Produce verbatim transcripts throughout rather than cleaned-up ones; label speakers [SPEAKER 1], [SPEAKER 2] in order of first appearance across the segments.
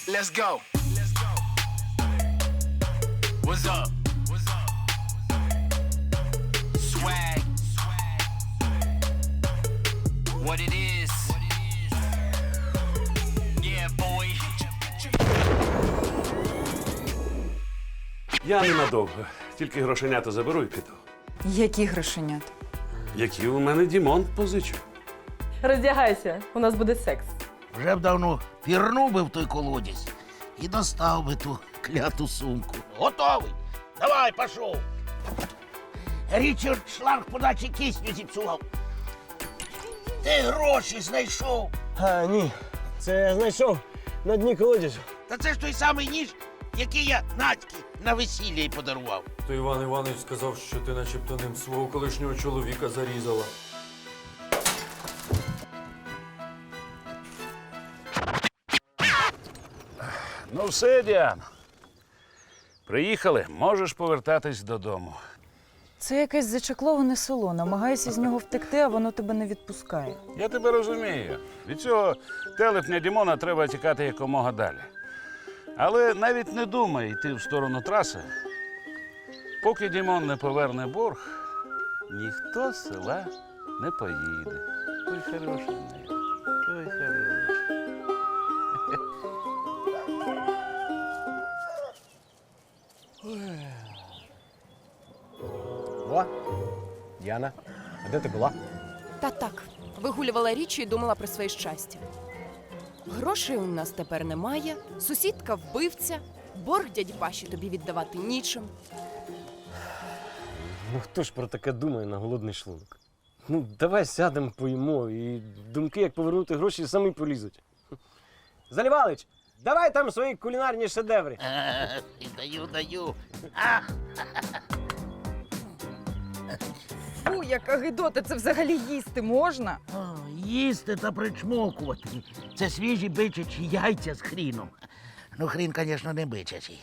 [SPEAKER 1] Let's go. What's up? What's up? Swag. What it is. Yeah, boy.
[SPEAKER 2] Я ненадовго. Тільки грошенята заберу і піду.
[SPEAKER 3] Які грошенята?
[SPEAKER 2] Які у мене Дімон позичив.
[SPEAKER 4] Роздягайся, у нас буде секс.
[SPEAKER 5] Вже б давно пірнув би в той колодязь і достав би ту кляту сумку. Готовий? Давай, пішов. Річард шланг подачі кисню зіпсував. Ти гроші знайшов.
[SPEAKER 6] А, ні. Це я знайшов на дні колодязю.
[SPEAKER 5] Та це ж той самий ніж, який я Надьки на весілля й подарував.
[SPEAKER 7] То Іван Іванович сказав, що ти начебто ним свого колишнього чоловіка зарізала.
[SPEAKER 2] Ну все, Діана. Приїхали, можеш повертатись додому.
[SPEAKER 3] Це якесь зачекловане село. Намагайся з нього втекти, а воно тебе не відпускає.
[SPEAKER 2] Я тебе розумію. Від цього телепня Дімона треба тікати якомога далі. Але навіть не думай йти в сторону траси. Поки Дімон не поверне борг, ніхто з села не поїде. Ой, хороший мій. Ой, хороший.
[SPEAKER 6] О, Діана, а де ти була?
[SPEAKER 8] Та так, вигулювала річі і думала про своє щастя. Грошей у нас тепер немає, сусідка вбивця, борг дяді Паші тобі віддавати нічим.
[SPEAKER 6] Ну хто ж про таке думає на голодний шлунок? Ну, давай сядемо, поїмо, і думки, як повернути гроші, самі полізуть. Залівалич, давай там свої кулінарні шедеври.
[SPEAKER 5] Е, Даю, даю. А,
[SPEAKER 3] Фу, яка гидота, це взагалі їсти можна?
[SPEAKER 5] о, їсти та причмокувати. Це свіжі бичачі яйця з хріном. Ну, хрін, звісно, не бичачий.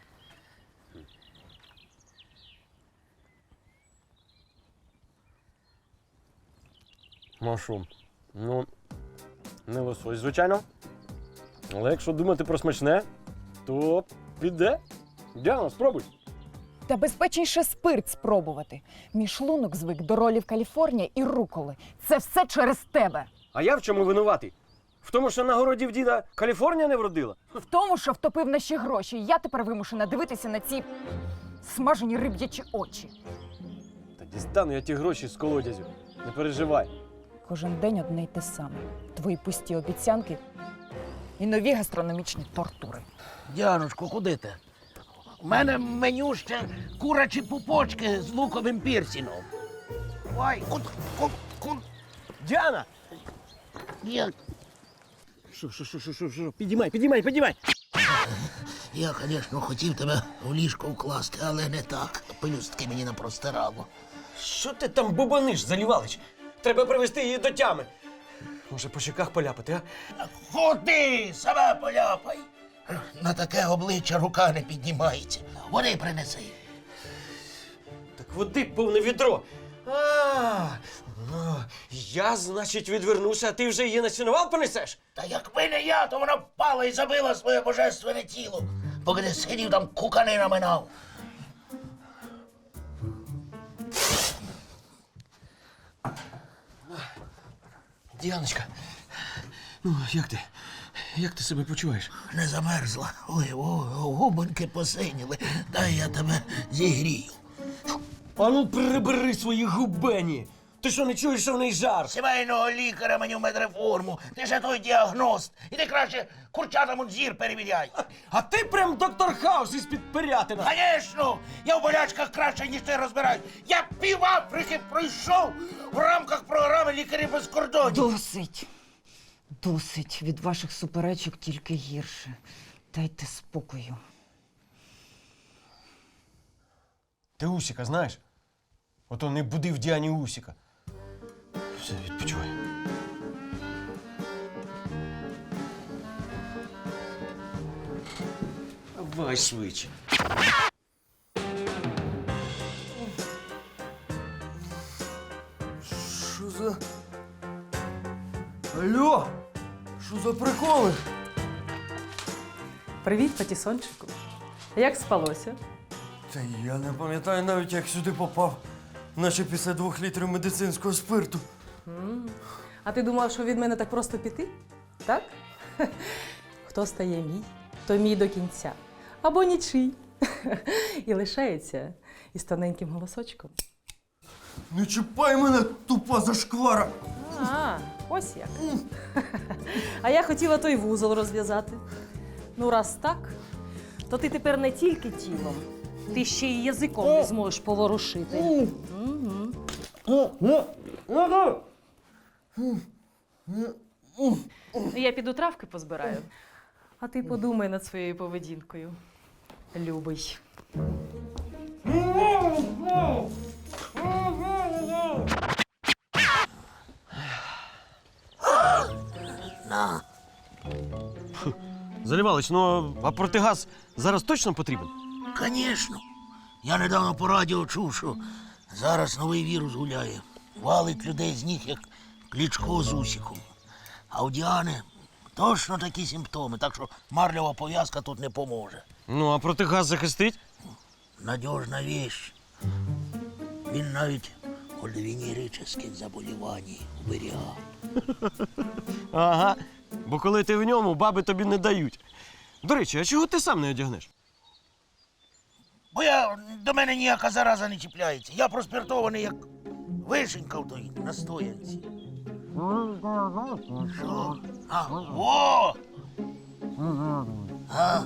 [SPEAKER 6] Машу, ну, не лосось, звичайно. Але якщо думати про смачне, то піде. Діана, спробуй.
[SPEAKER 9] Та безпечніше спирт спробувати. Мій шлунок звик до ролів Каліфорнія і руколи. Це все через тебе.
[SPEAKER 6] А я в чому винуватий? В тому, що на городі в діда Каліфорнія не вродила?
[SPEAKER 9] В тому, що втопив наші гроші, і я тепер вимушена дивитися на ці смажені риб'ячі очі.
[SPEAKER 6] Та дістану я ті гроші з колодязю. Не переживай.
[SPEAKER 9] Кожен день одне й те саме. Твої пусті обіцянки і нові гастрономічні тортури.
[SPEAKER 5] Діаночко, куди ти? У мене меню ще курячі пупочки з луковим пірсіном. Ой, куд, куд, куд.
[SPEAKER 6] Діана!
[SPEAKER 5] Я,
[SPEAKER 6] Що, що, що, що, що, що? Підіймай, підіймай, підіймай!
[SPEAKER 5] я, звісно, хотів тебе в ліжко вкласти, але не так. Пелюстки мені напростирало.
[SPEAKER 6] Що ти там бубониш, Залівалич? Треба привести її до тями. Може, по щеках поляпати, а?
[SPEAKER 5] Ходи, себе поляпай. На таке обличчя рука не піднімається. Води принеси.
[SPEAKER 6] Так води повне відро. А, ну, я, значить, відвернуся, а ти вже її на сіновал понесеш?
[SPEAKER 5] Та якби не я, то вона впала і забила своє божественне тіло, поки ти сидів там кукани наминав.
[SPEAKER 6] Діаночка, ну, як ти? Як ти себе почуваєш?
[SPEAKER 5] Не замерзла. Ой, о, губоньки посиніли. Дай я тебе зігрію.
[SPEAKER 6] А ну прибери свої губені! Ти що, не чуєш, що в неї жар?
[SPEAKER 5] Сімейного лікаря мені в медреформу. Ти же той діагност. Іди краще курчатам зір перевіряй.
[SPEAKER 6] А ти прям доктор Хаус із-під Пирятина!
[SPEAKER 5] Звісно, я в болячках краще, ніж ти розбираюсь. Я пів Африки пройшов в рамках програми «Лікарі без кордонів».
[SPEAKER 9] Досить. Досить. Від ваших суперечок тільки гірше. Дайте спокою.
[SPEAKER 6] Ти Усіка знаєш? Ото не буди в Діані Усіка. Все, відпочивай. Давай швидше. Що за... Алло! Що за приколи?
[SPEAKER 4] Привіт, патісончику. Як спалося?
[SPEAKER 7] Та я не пам'ятаю навіть, як сюди попав. Наче після двох літрів медицинського спирту.
[SPEAKER 4] М. А ти думав, що від мене так просто піти? Так? Хто стає мій, то мій до кінця. Або нічий. І лишається із тоненьким голосочком.
[SPEAKER 7] Не чіпай мене, тупа зашквара!
[SPEAKER 4] А, ось як. А я хотіла той вузол розв'язати. Ну, раз так, то ти тепер не тільки тілом, ти ще й язиком не зможеш поворушити. Мгм. Я піду травки позбираю. А ти подумай над своєю поведінкою. Любий.
[SPEAKER 5] На.
[SPEAKER 6] Залівалич, ну а протигаз зараз точно потрібен?
[SPEAKER 5] Звісно. Я недавно по радіо чув, що зараз новий вірус гуляє. Валить людей з ніг, як Кличко з Усіком. А у Діани точно такі симптоми, так що марлева пов'язка тут не поможе.
[SPEAKER 6] Ну, а протигаз захистить?
[SPEAKER 5] Надіжна віч. Він навіть від венерических заболівань уберігав.
[SPEAKER 6] Ага. Бо коли ти в ньому, баби тобі не дають. До речі, а чого ти сам не одягнеш?
[SPEAKER 5] Бо я, до мене ніяка зараза не чіпляється. Я проспиртований, як вишенька в той настоянці. Що? А, о! А?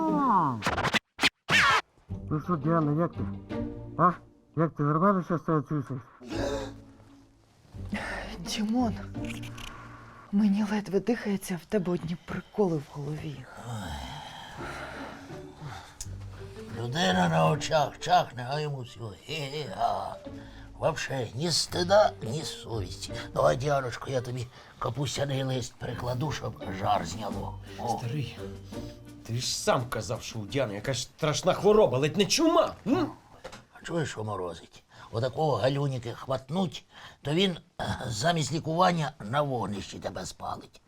[SPEAKER 6] Ну що, Діана, як ти? А? Як ти нормально зараз себе чувствуєш?
[SPEAKER 9] Дімон, мені ледве дихається, в тебе одні приколи в голові.
[SPEAKER 5] Людина на очах чахне, а йому все. Ге-ге-га. Вообще ні стида, ні совісті. Давай, Діаночко, я тобі капустяний лист прикладу, щоб жар зняло. О.
[SPEAKER 6] Старий, ти ж сам казав, що у Діани якась страшна хвороба, ледь не чума. М?
[SPEAKER 5] А чуєш, що морозить? Отакого галюніки хватнуть, то він е, замість лікування на вогнищі тебе спалить.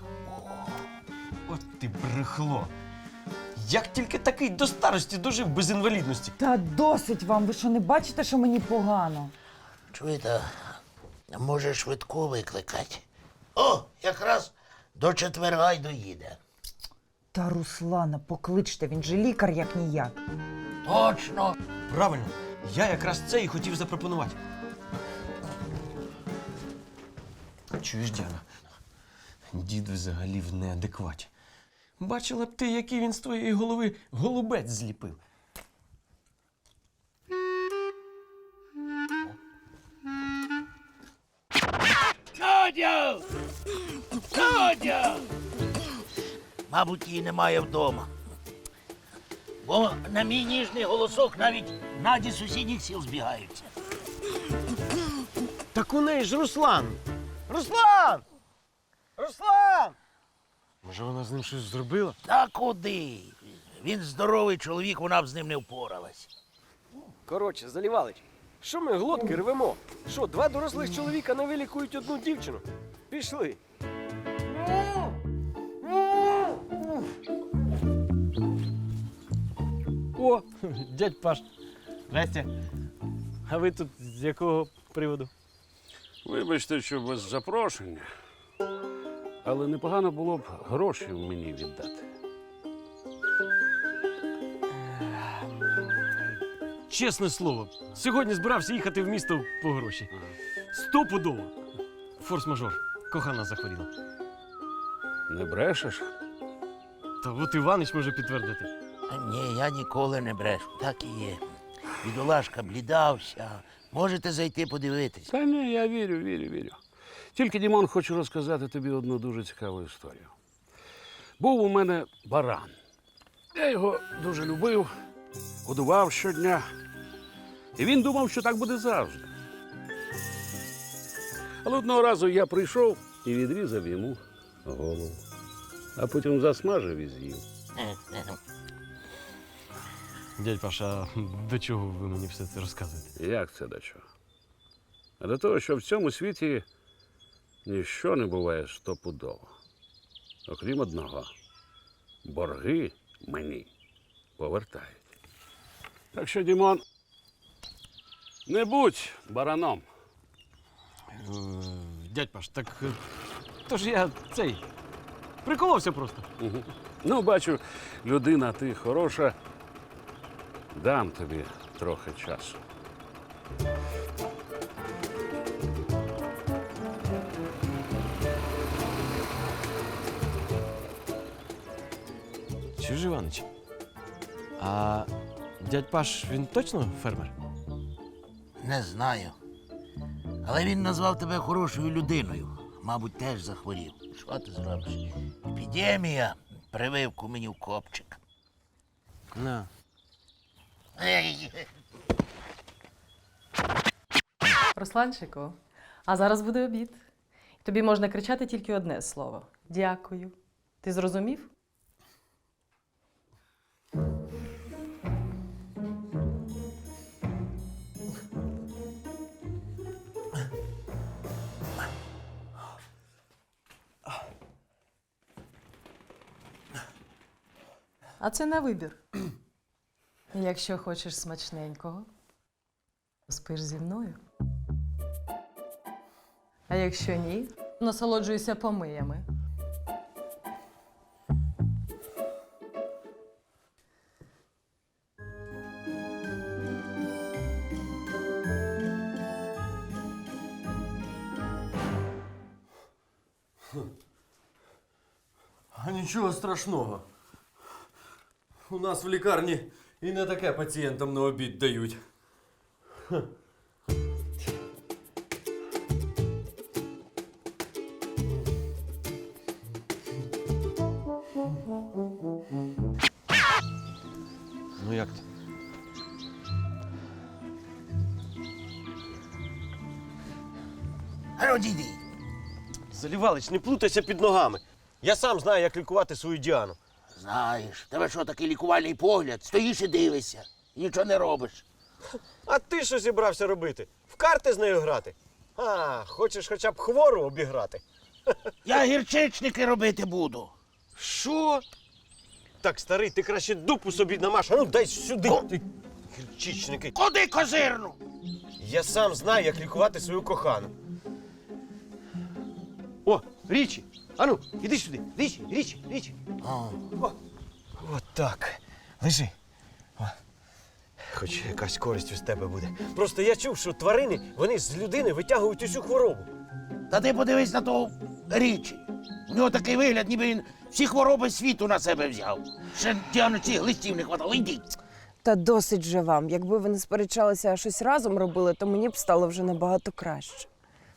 [SPEAKER 6] От ти брехло. Як тільки такий до старості дожив без інвалідності?
[SPEAKER 3] Та досить вам, ви що не бачите, що мені погано?
[SPEAKER 5] Чуєте, може швидко викликати? О, якраз до четверга й доїде.
[SPEAKER 3] Та Руслана, покличте, він же лікар як ніяк.
[SPEAKER 5] Точно.
[SPEAKER 6] Правильно, я якраз це і хотів запропонувати. Чуєш, Діана, дід взагалі в неадекваті. Бачила б ти, який він з твоєї голови голубець зліпив.
[SPEAKER 5] Катя! Катя! Мабуть, її немає вдома. Бо на мій ніжний голосок навіть наді сусідніх сіл збігаються.
[SPEAKER 6] Так у неї ж Руслан! Руслан! Руслан! Може, вона з ним щось зробила?
[SPEAKER 5] Та куди? Він здоровий чоловік, вона б з ним не впоралась.
[SPEAKER 6] Коротше, Залівалич, що ми глотки рвемо? Що, два дорослих чоловіка не вилікують одну дівчину? Пішли. О, дядь Паш. Здрасте. А ви тут з якого приводу?
[SPEAKER 2] Вибачте, що без запрошення, але непогано було б гроші мені віддати.
[SPEAKER 6] Чесне слово, сьогодні збирався їхати в місто по гроші. Стопудово. Форс-мажор. Кохана захворіла.
[SPEAKER 2] Не брешеш?
[SPEAKER 6] Та от Іванич може підтвердити.
[SPEAKER 5] Ні, я ніколи не брешу, так і є. Бідолашка блідався. Можете зайти подивитись.
[SPEAKER 2] Та ні, я вірю, вірю, вірю. Тільки, Дімон, хочу розказати тобі одну дуже цікаву історію. Був у мене баран. Я його дуже любив, годував щодня. І він думав, що так буде завжди. Але одного разу я прийшов і відрізав йому голову. А потім засмажив і з'їв.
[SPEAKER 6] Дядь Паша, до чого ви мені все це розказуєте?
[SPEAKER 2] Як це до чого? А до того, що в цьому світі ніщо не буває стопудово. Окрім одного. Борги мені повертають. Так що, Дімон, не будь бараном.
[SPEAKER 6] Е, Дядь Паш, так е, то ж я цей приколовся просто.
[SPEAKER 2] Угу. Ну, бачу, людина ти хороша. Дам тобі трохи часу.
[SPEAKER 6] Чуєш, Іванич? А дядь Паш, він точно фермер?
[SPEAKER 5] Не знаю. Але він назвав тебе хорошою людиною. Мабуть, теж захворів. Що ти зробиш? Епідемія, прививку мені в копчик.
[SPEAKER 6] На.
[SPEAKER 4] Русланчику, а зараз буде обід. Тобі можна кричати тільки одне слово. Дякую. Ти зрозумів? А це на вибір. Якщо хочеш смачненького, спиш зі мною. А якщо ні, насолоджуйся помиями.
[SPEAKER 7] А нічого страшного. У нас в лікарні і не таке пацієнтам на обід дають.
[SPEAKER 6] Ну як ти?
[SPEAKER 5] А ну, дійди.
[SPEAKER 6] Залівалич, не плутайся під ногами. Я сам знаю, як лікувати свою Діану.
[SPEAKER 5] Знаєш, в тебе що, такий лікувальний погляд? Стоїш і дивишся. І нічого не робиш.
[SPEAKER 6] А ти що зібрався робити? В карти з нею грати? А, хочеш хоча б хвору обіграти?
[SPEAKER 5] Я гірчичники робити буду.
[SPEAKER 6] Що? Так, старий, ти краще дупу собі намаш. А ну дай сюди. Ти гірчичники.
[SPEAKER 5] Куди козирну?
[SPEAKER 6] Я сам знаю, як лікувати свою кохану. О, Річі! Ану, іди сюди. Річі, Річі, Річі.
[SPEAKER 5] О,
[SPEAKER 6] О, от так. Лежи. О. Хоч якась користь з тебе буде. Просто я чув, що тварини, вони з людини витягують усю хворобу.
[SPEAKER 5] та ти подивись на того Річі. У нього такий вигляд, ніби він всі хвороби світу на себе взяв. Ще Діану цих листів не хватало. Йдіть.
[SPEAKER 10] Та досить же вам. Якби ви не сперечалися, а щось разом робили, то мені б стало вже набагато краще.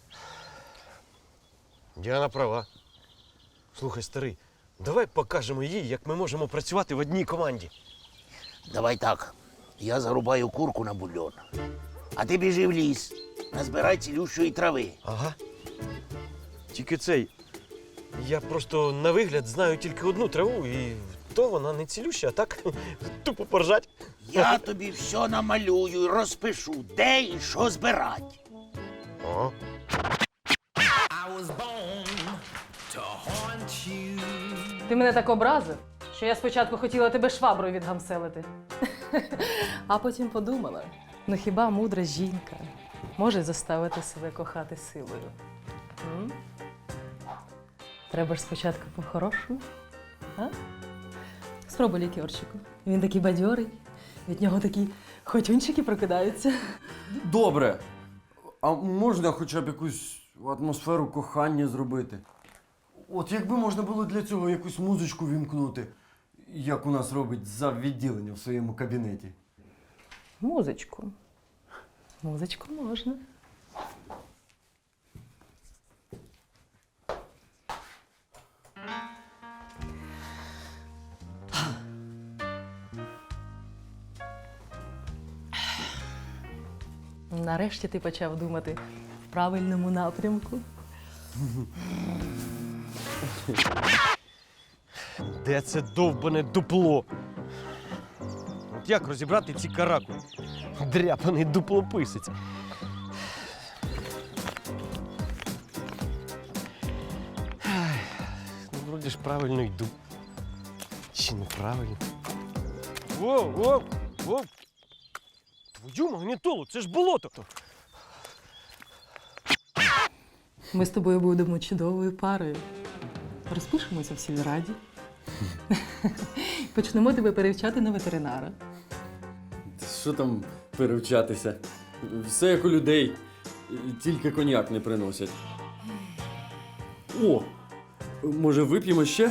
[SPEAKER 6] Діана права. Слухай, старий, давай покажемо їй, як ми можемо працювати в одній команді.
[SPEAKER 5] Давай так. Я зарубаю курку на бульон. А ти біжи в ліс. Назбирай цілющої трави.
[SPEAKER 6] Ага. Тільки цей. Я просто на вигляд знаю тільки одну траву, і то вона не цілюща, а так тупо поржать.
[SPEAKER 5] Я тобі все намалюю і розпишу, де і що збирати.
[SPEAKER 6] Ага.
[SPEAKER 4] Ти мене так образив, що я спочатку хотіла тебе шваброю відгамселити. А потім подумала, ну хіба мудра жінка може заставити себе кохати силою? М? Треба ж спочатку по-хорошому. А? Спробуй лікерчику. Він такий бадьорий, від нього такі хотюнчики прокидаються.
[SPEAKER 7] Добре. А можна хоча б якусь атмосферу кохання зробити? От якби можна було для цього якусь музичку вімкнути, як у нас робить за відділення в своєму кабінеті.
[SPEAKER 4] Музичку. Музичку можна. Нарешті ти почав думати в правильному напрямку.
[SPEAKER 6] Де це довбане дупло? От як розібрати ці каракулі? Дряпаний дуплописець. Ай, ну, вроді ж правильно йду. Чи неправильно? Воу, воу, воу. Твою магнітолу, це ж болото.
[SPEAKER 4] Ми з тобою будемо чудовою парою. Розпишемося в сільраді. Почнемо тебе перевчати на ветеринара.
[SPEAKER 7] Що там перевчатися? Все як у людей, тільки коньяк не приносять. О! Може, вип'ємо ще?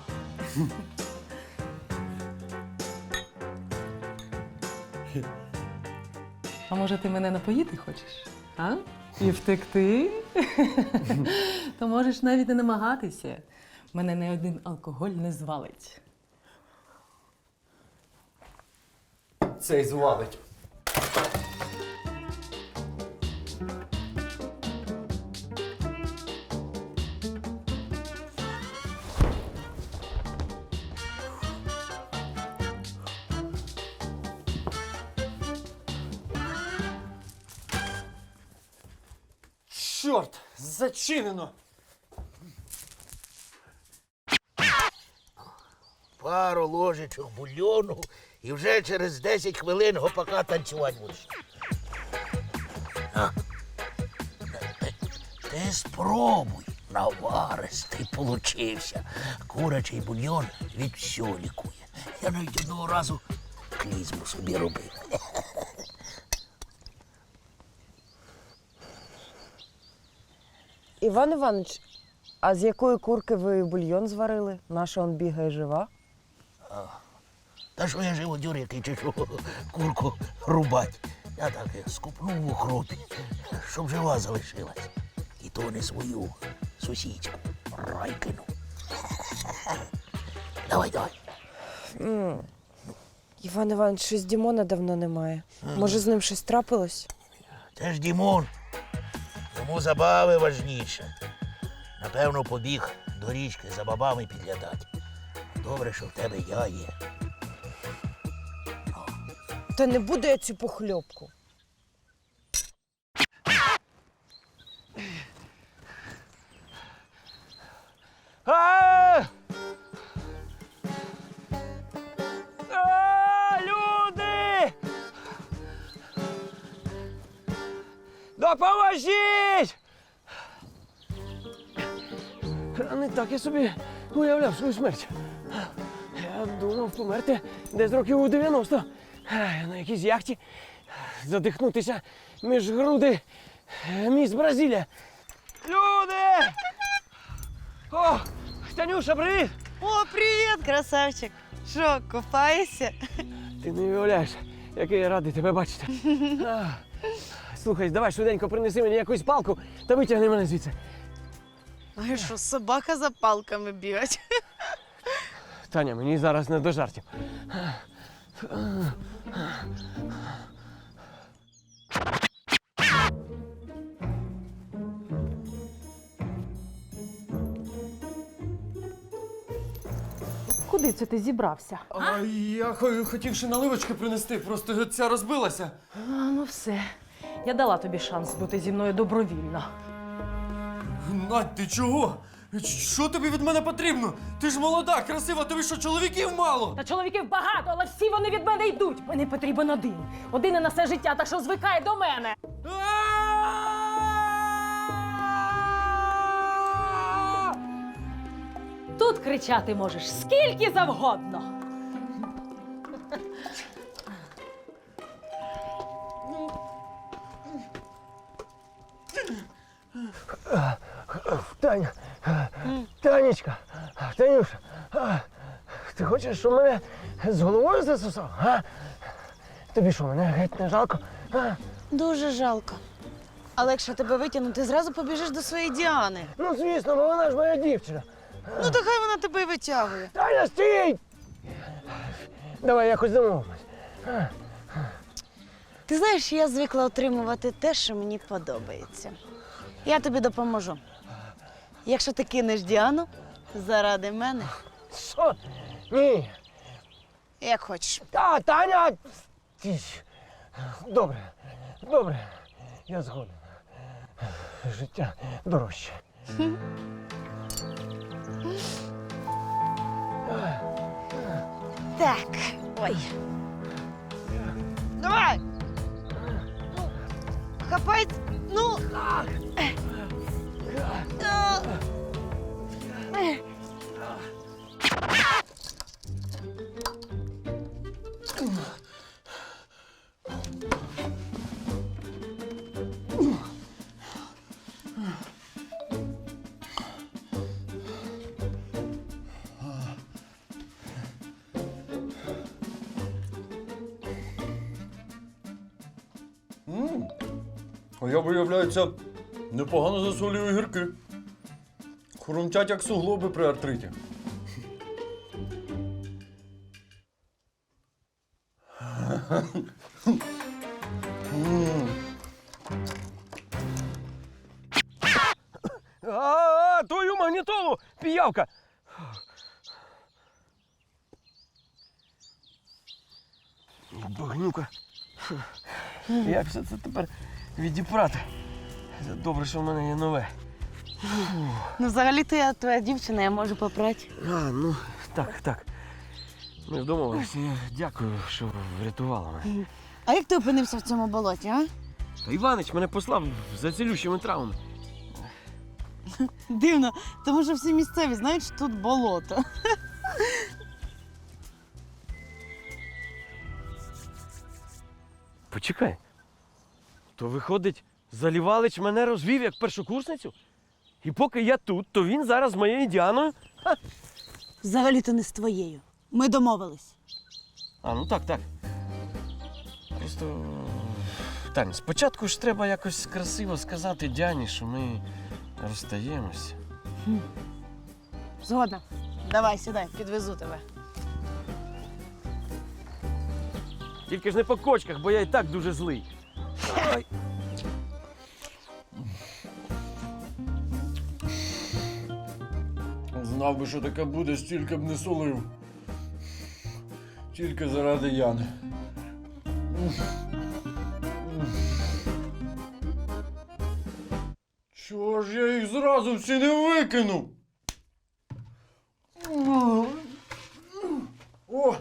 [SPEAKER 4] А може ти мене напоїти хочеш? А? І втекти? То можеш навіть не намагатися. Мене не один алкоголь не звалить.
[SPEAKER 7] Цей звалить.
[SPEAKER 6] Чорт, зачинено.
[SPEAKER 5] Пару ложечок бульйону і вже через десять хвилин гопака танцювати будеш. А. Ти спробуй, наваристий получився. Курячий бульйон від всього лікує. Я навіть одного разу клізму собі робив.
[SPEAKER 10] Іван Іванович, а з якої курки ви бульйон зварили? Наша он бігає жива?
[SPEAKER 5] Та що я живу дюрякий чи що курку рубать. Я так скупнув в укропі, щоб жива залишилась. І то не свою сусідську Райкину. Давай, давай.
[SPEAKER 10] М. Іван Іванович, щось Дімона давно немає. Може, з ним щось трапилось?
[SPEAKER 5] Це ж Дімон. Йому забави важніше. Напевно, побіг до річки за бабами підглядати. Добре, що в тебе я є.
[SPEAKER 10] Та не буду я цю похльопку.
[SPEAKER 6] А! А, люди! Допоможіть! А не так я собі уявляв свою смерть. Я думав померти десь років у дев'яносто. На якійсь яхті задихнутися між груди міс Бразилія. Люди! О, Танюша, привіт!
[SPEAKER 11] О, привіт, красавчик! Що, купаєшся?
[SPEAKER 6] Ти не уявляєш, який я радий тебе бачити. А, слухай, давай швиденько принеси мені якусь палку та витягни мене звідси.
[SPEAKER 11] А що, собака за палками бігать?
[SPEAKER 6] Таня, мені зараз не до жартів.
[SPEAKER 4] Куди це ти зібрався?
[SPEAKER 7] А я хо- хотів ще наливочки принести, просто ця розбилася.
[SPEAKER 4] А, ну все. Я дала тобі шанс бути зі мною добровільно.
[SPEAKER 7] Надь, ти чого? Що тобі від мене потрібно? Ти ж молода, красива, тобі що, чоловіків мало?
[SPEAKER 4] Та чоловіків багато, але всі вони від мене йдуть. Мені потрібен один. Один на все життя, так що звикай до мене. Тут кричати можеш скільки завгодно.
[SPEAKER 6] Таня, Танечка, Танюша, а, ти хочеш, щоб мене з головою засосав? А? Тобі що, мене геть не жалко? А?
[SPEAKER 11] Дуже жалко. Але якщо тебе витягнути, ти зразу побіжиш до своєї Діани.
[SPEAKER 6] Ну, звісно, бо вона ж моя дівчина.
[SPEAKER 11] Ну, то хай вона тебе й витягує.
[SPEAKER 6] Таня, стій! Давай якось домовимось.
[SPEAKER 11] Ти знаєш, я звикла отримувати те, що мені подобається. Я тобі допоможу. Якщо ти кинеш Діану заради мене,
[SPEAKER 6] Що? Ні.
[SPEAKER 11] як хочеш.
[SPEAKER 6] Та, Таня! Тіш. Добре, добре, я згоден. Життя дорожче.
[SPEAKER 11] Так, ой. Давай! Ну, хапай! Ну!
[SPEAKER 7] А я, виявляється, непогано засолюю огірки. Хрумтять, як суглоби при артриті.
[SPEAKER 6] А, твою магнітолу, піявка! Багнюка. Як все це тепер відіпрати? Добре, що в мене є нове.
[SPEAKER 11] Ну, взагалі-то я твоя дівчина, я можу попрати.
[SPEAKER 6] А, ну, так, так. Ми ж домовилися. Я дякую, що врятувала мене.
[SPEAKER 11] А як ти опинився в цьому болоті, а?
[SPEAKER 6] Та Іванич мене послав за цілющими травами.
[SPEAKER 11] Дивно, тому що всі місцеві знають, що тут болото.
[SPEAKER 6] Почекай. То виходить, Залівалич мене розвів як першокурсницю? І поки я тут, то він зараз з моєю Діаною? Ха.
[SPEAKER 11] Взагалі-то не з твоєю. Ми домовились.
[SPEAKER 6] А, ну так, так. Просто. Тань, спочатку ж треба якось красиво сказати Діані, що ми розстаємось.
[SPEAKER 11] Згодна. Давай, сідай, підвезу тебе.
[SPEAKER 6] Тільки ж не по кочках, бо я і так дуже злий. Ой.
[SPEAKER 7] Знав би, що таке буде, стільки б не солив. Тільки заради Яни. Чого ж я їх зразу всі не викинув? О!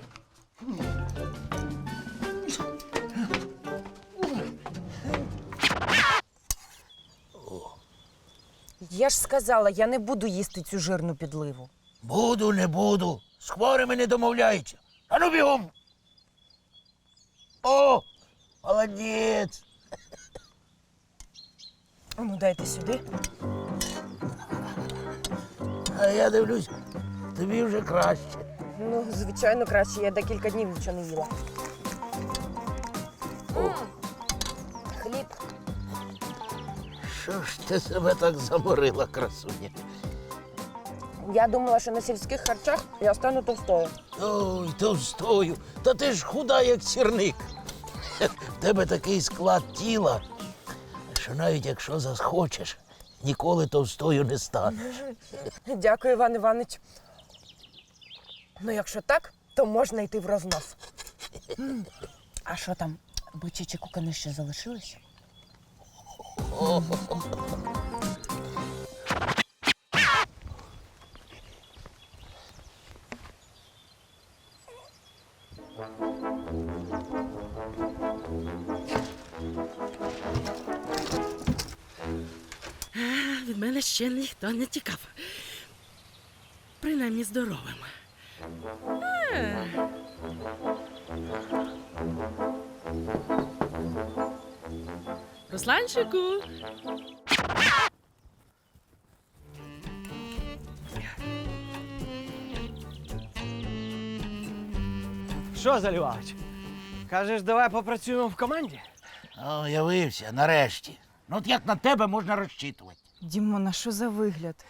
[SPEAKER 3] Я ж сказала, я не буду їсти цю жирну підливу.
[SPEAKER 5] Буду, не буду. З хворими не домовляються. А ну бігом. О, молодець.
[SPEAKER 3] Ну, дайте сюди.
[SPEAKER 5] А я дивлюсь, тобі вже краще.
[SPEAKER 3] Ну, звичайно, краще. Я декілька днів нічого не їла. М, Хліб.
[SPEAKER 5] Що ж ти себе так заморила, красуня?
[SPEAKER 3] Я думала, що на сільських харчах я стану товстою.
[SPEAKER 5] Ой, товстою. Та ти ж худа, як сірник. В тебе такий склад тіла, що навіть якщо захочеш, ніколи товстою не станеш.
[SPEAKER 3] Дякую, Іван Іванович. Ну, якщо так, то можна йти в рознос. М, А що там, бичачі кукани ще залишилися?
[SPEAKER 12] Від мене ще ніхто не тікав. Принаймні здоровим. А. Русланчику.
[SPEAKER 6] Що, Залівалич? Кажеш, давай попрацюємо в команді?
[SPEAKER 5] О, явився, нарешті. Ну от як на тебе можна розчитувати?
[SPEAKER 3] Дімона, що за вигляд?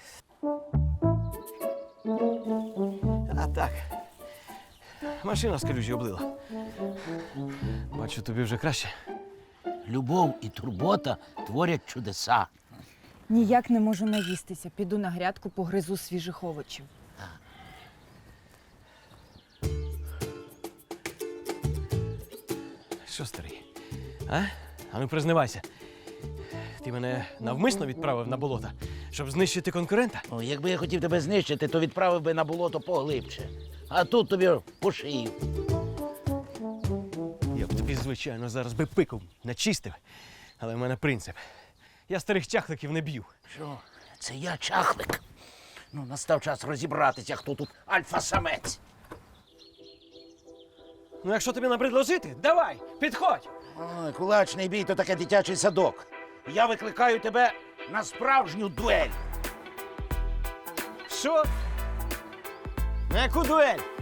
[SPEAKER 6] А так. Машина з калюжі облила. Бачу, тобі вже краще.
[SPEAKER 5] Любов і турбота творять чудеса.
[SPEAKER 3] Ніяк не можу наїстися. Піду на грядку, погризу свіжих овочів.
[SPEAKER 6] Що, старий? А? А ну признавайся. Ти мене навмисно відправив на болото, щоб знищити конкурента?
[SPEAKER 5] О, якби я хотів тебе знищити, то відправив би на болото поглибше. А тут тобі по шию.
[SPEAKER 6] Я б тобі звичайно, зараз би пику начистив. Але в мене принцип. Я старих чахликів не б'ю.
[SPEAKER 5] Що? Це я чахлик. Ну, настав час розібратися, хто тут альфа-самець.
[SPEAKER 6] Ну, якщо тобі набридло жити, давай, підходь!
[SPEAKER 5] Ой, кулачний бій то таке дитячий садок. Я викликаю тебе на справжню дуель.
[SPEAKER 6] Що? На яку дуель?